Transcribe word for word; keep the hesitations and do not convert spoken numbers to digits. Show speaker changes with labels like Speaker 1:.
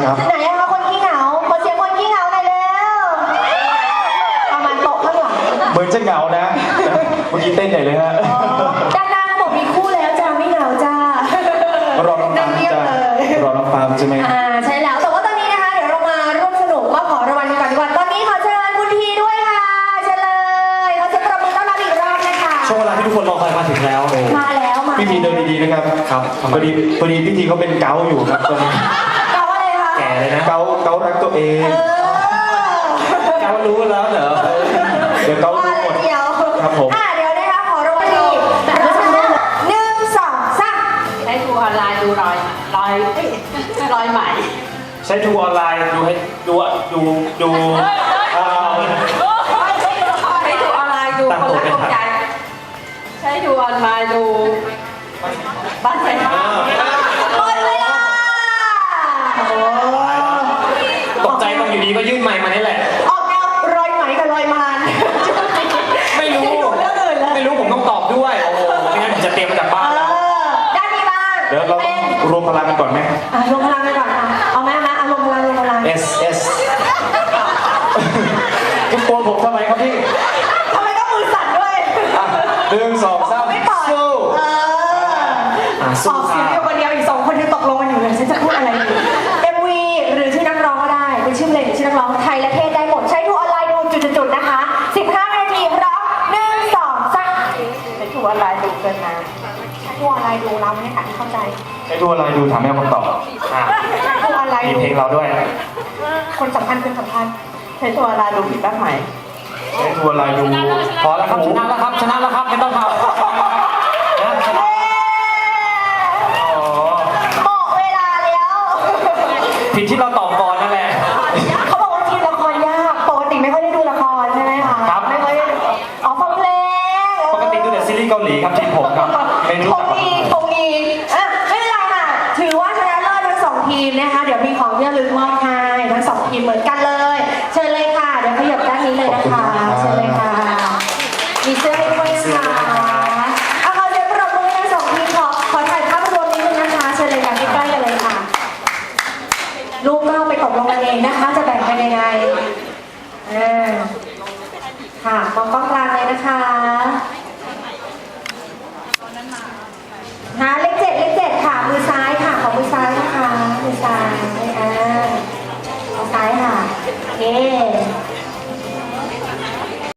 Speaker 1: ครับ
Speaker 2: ไหนอะคะคนขี้เหงาขอเสียงคนขี้เหงาหน่อยเร็วประมาณโต๊ะข้างหลัง
Speaker 1: เหมือนจะเหงานะเมื่อกี้เต้นใหญ่เลยฮะ
Speaker 2: ด้านหน้าเขาบอกมีคู่แล้วจ้าไม่เหงาจ้ารอ
Speaker 1: น้องปาล์มจ้ารอน้องปาล์มใช่ไหม
Speaker 2: อ่าใช่แล้วแต่ว่าตอนนี้นะคะเดี๋ยวเรามาร่วมสนุกมาขอรางวัลกันก่อนดีกว่าตอนนี้ขอเชิญคุณทีด้วยค่ะเชิญเลยขอเสียงปรบมือต้อนรับอีกรอบนะคะ
Speaker 3: ช่วงเวลาที่ทุกคนรอคอยมาถึงแล้ว
Speaker 2: มาแล้วมา
Speaker 1: พี่ทีเดินดีๆนะครับครับพอดีพอดีพี่ทีเขาเป็นเกาอยู่ครับตอนนี้
Speaker 2: เกาอะไรคะ
Speaker 3: แก่เลยนะ
Speaker 1: เกาเการักตัวเอง
Speaker 3: เการู้แล้วเหรอ
Speaker 1: เดี๋ยวเการู้หมดครับผม
Speaker 2: อ่าเดี๋ยวนะคะขอรางวัลอีกแบบนี้หนึ่งสองสาม
Speaker 4: ใช้ทูออนไลน์ดูรอยรอยรอยไหม
Speaker 3: ใช้ทูออนไลน์ดูให้ดูดูดู
Speaker 4: ใช้ทูออนไลน์ดูคนรักคนใจใช้ทูออนไลน์ดูบ้านไฟฟ้า
Speaker 2: หมดเวลา
Speaker 3: ตกใจตรงอยู่ดีก็ยื่นไมค์มานี่แหละ
Speaker 2: ออกแนวรอยไหมกับรอยมาน
Speaker 3: ไม่รู้ไม่รู้ผมต้องตอบด้วยโอ้โหไม่งั้นผมจะเตรียมมาจากบ้านแล้ว
Speaker 2: ด้านนี้บ้าง
Speaker 1: เดี๋ยวเรารวมพลังกันก่อนไหม
Speaker 2: อ่ะรวมพลังกันก่อนค่ะเอาไหมคะรวมพลังรวมพลัง
Speaker 1: S S ทุกคนผมทำไมครับพี่
Speaker 2: ทำไมต้องมือสั่นด้วย
Speaker 1: หนึ่งสองสามสู้
Speaker 2: เออออกเสียงเดียวคนเดียวอีกสองคนยังตกลงกันอยู่เลยฉันจะพูดอะไรดี เอ็ม วี หรือชื่อนักร้องก็ได้เป็นชื่อเพลงหรือชื่อนักร้องไทยและเทศได้หมดใช้ทูออนไลน์ดูจุดๆนะคะสิบห้านาทีร้องหนึ่งสองสาม
Speaker 4: ใช้ทูออนไลน์ดูเกินมา
Speaker 2: ใช้ทูออนไลน์ดูเราไม่ค่ะที่เข้าใจ
Speaker 1: ใช้ทัวร์อะไรดูถามแม่คำตอบ
Speaker 2: ใช้ทูออนไลน์
Speaker 3: มี
Speaker 2: ดู
Speaker 3: เพลงเราด้วย
Speaker 2: คนสำคัญคนสำคัญ
Speaker 4: ใช้ทูออนไลน์ดูผิดบ้านไหม
Speaker 1: ใช้ทัวร์อะไรดู
Speaker 3: พอแล้วครับชนะแล้วครับชนะแล้วครับไม่ต้องทำ
Speaker 2: หมดเวลาแล้ว
Speaker 3: ผิดที่เราตอบก่อนนั่นแหละ
Speaker 2: เขาบอกว่าทีมละครยากปกติไม่ค่อยได้ดูละครใช่ไหมคะ
Speaker 3: ครับ
Speaker 2: ไม่ค่อยอ๋อฟังเพลง
Speaker 3: ปกติดูแต่ซีรีส์เกาหลีครับทีมผมครับไม่รู้
Speaker 2: คงมีคงมีอ่ะไม่เป็นไรค่ะถือว่าชนะเลิศทั้งสองทีมนะคะเดี๋ยวมีของที่ระลึกมอบให้ทั้งสองทีมเหมือนกันเลยเชิญเลยค่ะเดี๋ยวขยับด้านนี้เลยนะคะเชิญเลยค่ะมีเสื้อให้ด้วยนะคะเอาขอเสียงปรบมือให้ทั้งสองทีมขอขอถ่ายภาพรวมนิดนึงนะคะเชิญเลยค่ะใกล้ๆกันเลยค่ะลูกก็ไปตกลงกันเองนะคะจะแบ่งกันยังไงอ่าค่ะมองกล้องกลางเลยนะคะหาเลข